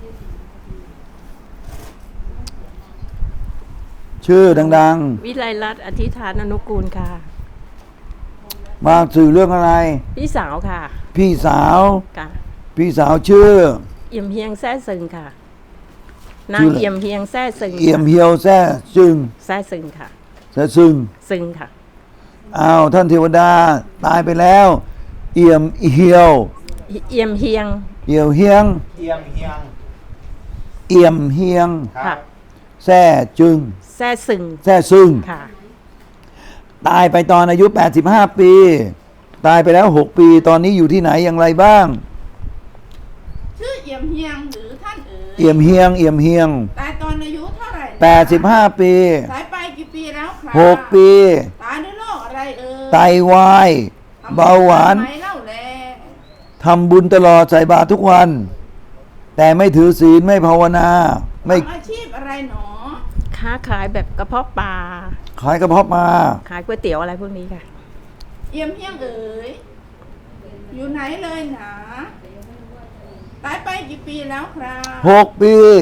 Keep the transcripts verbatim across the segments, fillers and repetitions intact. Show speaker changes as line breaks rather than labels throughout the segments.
ชื่อดัง
วิไลรัตน์อธิษฐานอนุกูลค่ะ
ๆมาสื่อเรื่องอะไร
พี่สาวค่ะ
พี่สาว
ค่ะ
พี่สาวชื่อ
เอี่ยมเฮียงแซ่ซึงค่ะนา
ชื่
ง
ออะไร
เอี่ยมเฮียงแซ่ซึง
เอี่ยมเฮียวแซ่ซึง
แซ่ซึงค่ะ
แซ่ซึง
ซึงค่ะ
อ้าวท่านเทวดาตายไปแล้ว เอี่ยมเฮียว
เอี่ยมเฮียง
เอี่ยวเฮียง
เอียงเฮียง
เอี่ยมเฮียง
ค่ะ
แซ่จึง
แซ่ซึง
แซ่ซึง
ค่ะ
ตายไปตอนอายุแปดสิบห้าปี ตายไปแล้วหกปี ตอนนี้อยู่ที่ไหนอย่างไรบ้าง
ชื่อเอี่ยมเฮียงหรือท่านเอ๋ย
เอี่ยมเฮียง เอี่ยมเฮียง
ตายตอนอายุเท่าไหร่
แปดสิบห้าปี
ตายไปกี่ปีแล้วครับ
หกปี
ตายด้วยโรคอะไรเอ่ย
ไตวาย
ทำ
เบาหวาน
ทำไมเล่าแล
ทำบุญตลอดใส่บาตรทุกวัน แต่ไม่ถือศีลไม่ภาวนา ไม่
ทำอาชีพอะไรหนอ
ค้าขายแบบกระเพาะปลา
ขายกระเพาะมา
ขายก๋วยเตี๋ยวอะไรพวกนี้ค่ะ
เอี่ยมเฮียงเอ๋ยอยู่ไหนเลยหนาตายไปกี่ปีแล้วครับ
หกปี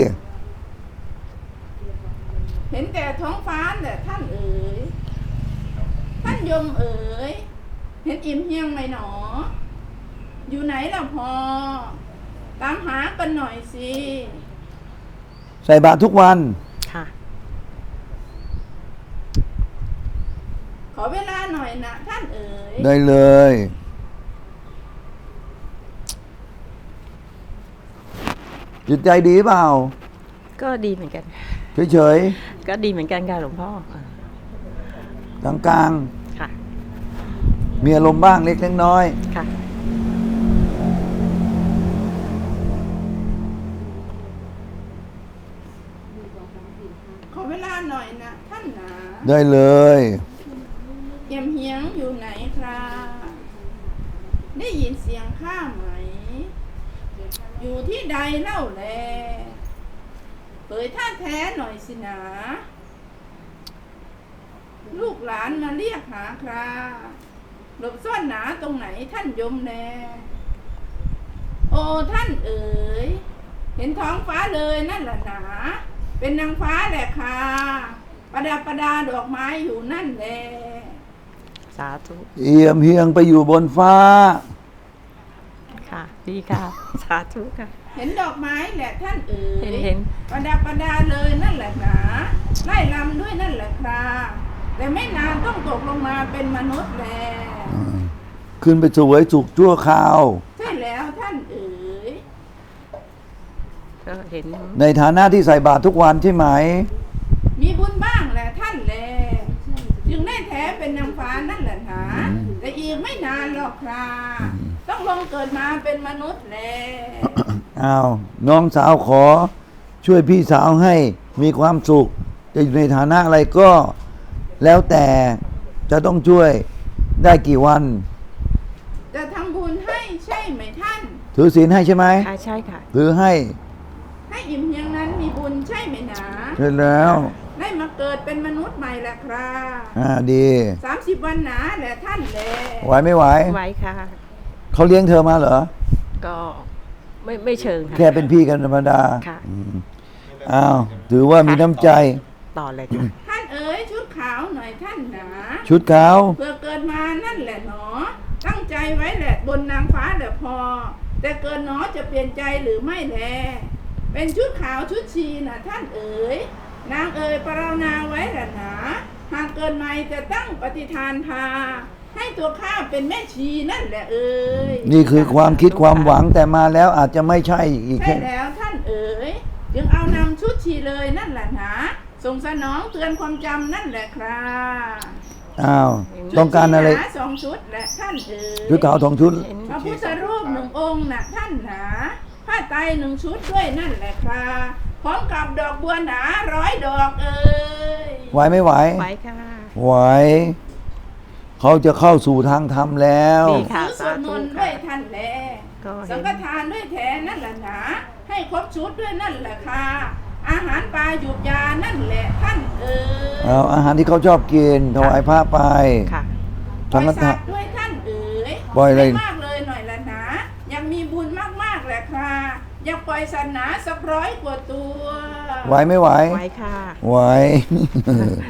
เห็นแต่ท้องฟ้าแต่ท่านเอ๋ยท่านยมเอ๋ยเห็นเอี่ยมเฮียงไหมหนอ อยู่ไหนล่ะพอ ตามหากันหน่อยสิ
ใส่บาตรทุกวัน
ค่ะ
ขอเวลาหน่อยนะท่านเอ๋ย
ได้เลย จิตใจดีเปล่า
ก็ดีเหมือนกัน
เฉย
ก็ดีเหมือนกันค่ะหลวงพ่ออ่า
ๆกลาง
ค่ะ
ๆมีอารมณ์บ้างเล็กเล็กน้อย
ค่ะ
ขอเวลาหน่อยนะท่านหนา
ได้เลย
เยี่ยมเฮียงอยู่ไหนครับได้ยินเสียงข้าไหม อยู่ที่ใดเล่าแลเผยท่าแท้หน่อยสินะลูกหลานมาเรียกหาคราหลบซ่อนหนาตรงไหนท่านยมแลโอ้ท่านเอ๋ยเห็นท้องฟ้าเลยนั่นแหละหนาเป็นนางฟ้าแหละค่ะประดับประดาดอกไม้อยู่นั่นแหละ
สาธุ
เอี่ยมเฮียงไปอยู่บนฟ้า
ค่ะ ดีค่ะ สาธุค่ะ
เห็นดอกไม้แหละท่านเอ๋ย
เห็นเห็น
ประดับประดาเลยนั่นแหละหนาไล่ลำด้วยนั่นแหละคราแต่ไม่นานต้องตกลงมาเป็นมนุษย์แล
ขึ้นไปสวยสุขชั่วคราว
ใช่แล้วท่านเอ๋ย
ก็เห็น
ในฐานะที่ใส่บาตรทุกวันใช่ไหม
มีบุญบ้างแหละท่านแลจึงได้แท้เป็นนางฟ้านั่นแหละหนาแต่อีกไม่นานหรอกคราต้องลงเกิดมาเป็นมนุษย์แล
อ้าวน้องสาวขอ ช่วยพี่สาวให้มีความสุข จะอยู่ในฐานะอะไรก็ แล้วแต่จะต้องช่วยได้กี่วัน
จะทำบุญให้ใช่ไหมท่าน
ถือศีลให้ใช่ไหม
ค่ะใช่ค่ะ
ถือให้
ให้อิ่มเพียงนั้นมีบุญใช่ไหมหนา
ใช่แล้ว
ได้มาเกิดเป็นมนุษย์ใหม่แหละครับ
อ่าดี
สามสิบวันหนาแหละท่านแล
ไหวไม่ไหว
ไว้ค่ะ
เขาเลี้ยงเธอมาเหรอ
ก็ไม่ไม่เชิงค่ะ
แค่เป็นพี่กันธรรมดา
ค่ะ
อืมอ้าวถือว่ามีน้ำใจ
ต่อเลยค่ะ
ท่านเอ๋ยชุดขาวหน่อยท่านหนา
ชุดขาว
เพื่อเกิดมานั่นแหละหนอ ตั้งใจไว้แหละบนนางฟ้าแหละพอ แต่เกิดหนอจะเปลี่ยนใจหรือไม่แล เป็นชุดขาวชุดชีนะท่านเอ๋ยนางเอ๋ยปรารถนาไว้แหละหนาหากเกิดใหม่จะตั้งปฏิทานพา ให้ตัวข้าเป็นแม่ชีนั่นแหละเอ๋ย
นี่คือความคิดความหวังแต่มาแล้วอาจจะไม่ใช่อีก
ใช่
แค่
แล้วท่านเอ๋ยจึงเอานำชุดชีเลยนั่นแหละหนาส่งสนองเตือนความจำนั่นแหละครับ
อ้าวต้องการอะไร
ชุดชีหนาสองชุดแหละท่านเอ๋ย
ชุดขาวสองชุด
เห็น
พระพุทธรูปหนึ่งองค์น่ะท่านหนาผ้าไตรหนึ่งชุดด้วยนั่นแหละครับพร้อมกับดอกบัวหนาร้อยดอกเอ๋ย
ไหวไม่ไหว
ไว้ค่ะ
ไหว เขาจะเข้าสู่ทางธรรมแล้ว
ดีค่ะ
ซื้อสวดมนต์ด้วยท่านแล
ก็เห็น
สังฆทานด้วยแทนนั่นแหละหนาให้ครบชุดด้วยนั่นแหละค่ะอาหารปลาหยุกยานั่นแหละท่านเอ๋ย
เอาอาหารที่เขาชอบกินถวายพระไป
ค่ะ
ปล่
สั
อง ย
ฆ
สั
ทา
ตว์ด้วยท่านเอ๋ย
ปล่อยอะไร
ม่มากเลยหน่อยละนะยังมีบุญมากๆแหละค่ะอยากปล่อยสัตว์หนาสักร้อยกว่าตัว
ไหวไม่ไหว
ไว้ค่ะ
ไหว